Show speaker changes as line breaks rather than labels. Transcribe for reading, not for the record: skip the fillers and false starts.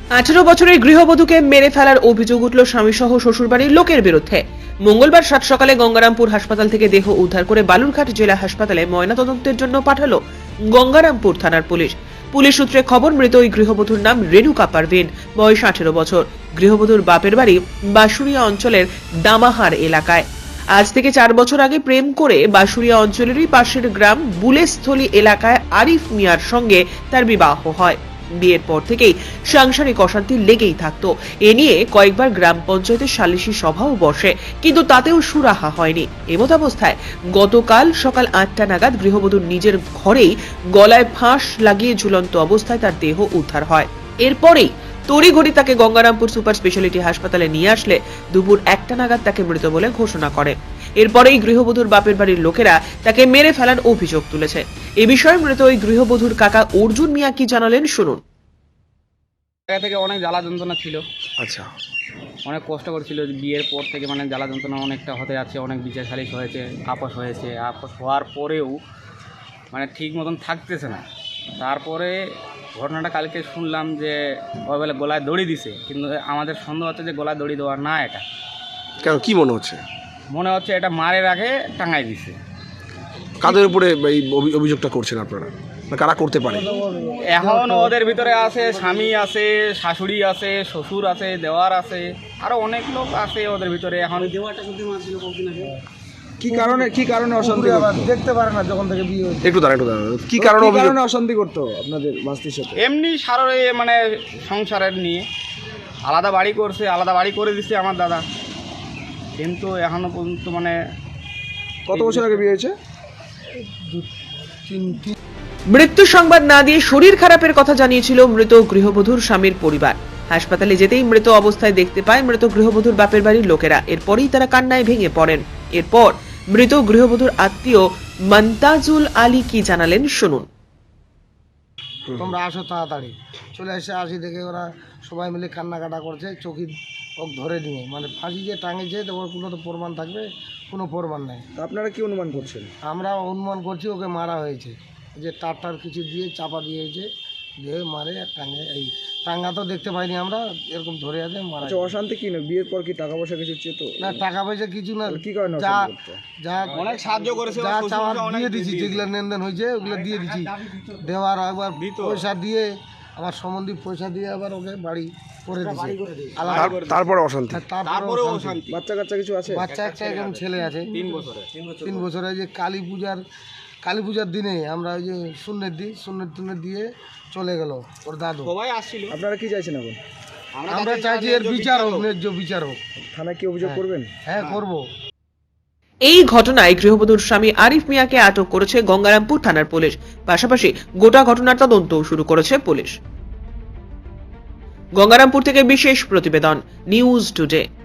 18 বছরের গৃহবধূকে মেরে ফেলার অভিযোগ উঠল স্বামীসহ শ্বশুরবাড়ির লোকের বিরুদ্ধে। মঙ্গলবার সাত সকালে গঙ্গারামপুর হাসপাতাল থেকে দেহ উদ্ধার করে বালুরঘাট জেলা হাসপাতালে ময়নাতদন্তের জন্য পাঠালো গঙ্গারামপুর থানার পুলিশ। পুলিশ সূত্রে খবর, মৃত ওই গৃহবধূর নাম রেণুকা পারভিন, বয়স 18 বছর। গৃহবধূর বাপের বাড়ি বাঁশুড়িয়া অঞ্চলের দামাহার এলাকায়। আজ থেকে 4 বছর আগে প্রেম করে বাঁশুড়িয়া অঞ্চলেরই পাশের গ্রাম বুলেস্থলী এলাকায় আরিফ মিয়ার সঙ্গে তার বিবাহ হয়। বিয়ের পর থেকেই সাংসারিক অশান্তি লেগেই থাকতো। এ নিয়ে কয়েকবার গ্রাম পঞ্চায়েতের সালিশি সভাও বসে, কিন্তু তাতেও সুরাহা হয়নি। এমতাবস্থায় গতকাল সকাল 8টা নাগাদ গৃহবধূর নিজের ঘরেই গলায় ফাঁস লাগিয়ে ঝুলন্ত অবস্থায় তার দেহ উদ্ধার হয়। এরপরেই তড়িঘড়ি তাকে গঙ্গারামপুর সুপার স্পেশালিটি হাসপাতালে নিয়ে আসলে দুপুর 1টা নাগাদ তাকে মৃত বলে ঘোষণা করে। এরপরেই গৃহবধূর বাপের বাড়ির লোকেরা তাকে মেরে ফেলার অভিযোগ তুলেছে। এ বিষয়ে মৃত ওই গৃহবধূর কাকা অর্জুন মিয়া কি জানালেন শুনুন।
জায়গা থেকে অনেক জ্বালা যন্ত্রণা ছিল।
আচ্ছা,
অনেক কষ্ট করেছিল বিয়ের পর থেকে, মানে জ্বালা যন্ত্রণা অনেকটা হতে যাচ্ছে। অনেক বিচার সালিশ হয়েছে, আপোস হয়েছে। আপোস হওয়ার পরেও মানে ঠিক মতন থাকতেছে না। তারপরে ঘটনাটা কালকে শুনলাম যে ওই বেলা গলায় দড়ি দিছে, কিন্তু আমাদের সন্দেহ হচ্ছে যে গলায় দড়ি দেওয়া না, এটা
কেন কি মনে হচ্ছে?
মনে হচ্ছে এটা মারের আগে টাঙাই দিছে।
কাদের উপরে এই অভিযোগটা করছেন আপনারা, না কারা করতে পারে?
এখন ওদের ভিতরে আছে স্বামী আছে, শাশুড়ি আছে, শ্বশুর আছে, দেওয়ার আছে, আরো অনেক লোক আছে ওদের ভিতরে। এখন
কি কারণে অশান্তি দেখতে পারে না যখন থেকে বিয়ে হয়েছে?
একটু দাঁড়ান কি কারণে
অশান্তি করতো আপনাদের বাস্তির সাথে?
এমনি সারে মানে সংসারের নিয়ে আলাদা বাড়ি করছে, আলাদা বাড়ি করে দিচ্ছে আমার দাদা, কিন্তু এখনো পর্যন্ত মানে।
কত বছর আগে বিয়ে হয়েছে?
মৃত্যু সংবাদ না দিয়ে শরীর খারাপের কথা জানিয়েছিল মৃত গৃহবধূর স্বামীর পরিবার। হাসপাতালে যেতেই মৃত অবস্থায় দেখতে পায় মৃত গৃহবধূর বাপের বাড়ির লোকেরা। এরপরেই তারা কান্নায় ভেঙে পড়েন। এরপর মৃত গৃহবধূর আত্মীয় মন্তাজুল আলী কি জানালেন শুনুন।
তোমরা আসো তাড়াতাড়ি, চলে এসে আসি দেখে ওরা সবাই মিলে কান্নাকাটা করছে, চোখি ওক ধরে নিয়ে, মানে ফাঁসি যে টাঙিয়েছে, তোমার কোনো তো প্রমাণ থাকবে, কোনো প্রমাণ নেই।
আপনারা কি অনুমান করছেন?
আমরা অনুমান করছি ওকে মারা হয়েছে, যে টার কিছু দিয়ে চাপা দিয়েছে, দিয়ে মারে টাঙে। এই টাঙ্গা তো দেখতে পাইনি আমরা, এরকম ধরে আছে মারা।
অশান্তি কি না? বিয়ের পর কি টাকা পয়সা কিছু চেত?
না, টাকা পয়সা কিছু না,
কি কারণে
যা
অনেক সাহায্য করেছে,
যা চাওয়ার দিয়ে দিছি, যেগুলো লেনদেন হয়েছে ওগুলো দিয়ে দিছি। দেওয়ার একবার পয়সা দিয়ে, আমার সম্বন্ধী পয়সা দিয়ে আবার ওকে বাড়ি করে দিচ্ছে।
তারপরে অশান্তি?
তারপরে অশান্তি।
বাচ্চা কাচ্চা কিছু আছে?
বাচ্চা একটা এরকম ছেলে আছে 3 বছরে। যে কালী পূজার দিনে আমরা ওই যে সুন্নত দিয়ে চলে গেল ওর দাদু।
সবাই আসছিল।
আপনারা কি চাইছেন এখন?
আমরা চাইছি এর বিচার হোক, ন্যায্য বিচার হোক।
থানায় কি অভিযোগ করবেন?
হ্যাঁ, করবো।
এই ঘটনায় গৃহবধূর স্বামী আরিফ মিয়াকে আটক করেছে গঙ্গারামপুর থানার পুলিশ। পাশাপাশি গোটা ঘটনার তদন্তও শুরু করেছে পুলিশ। গঙ্গারামপুর থেকে বিশেষ প্রতিবেদন, নিউজ টুডে।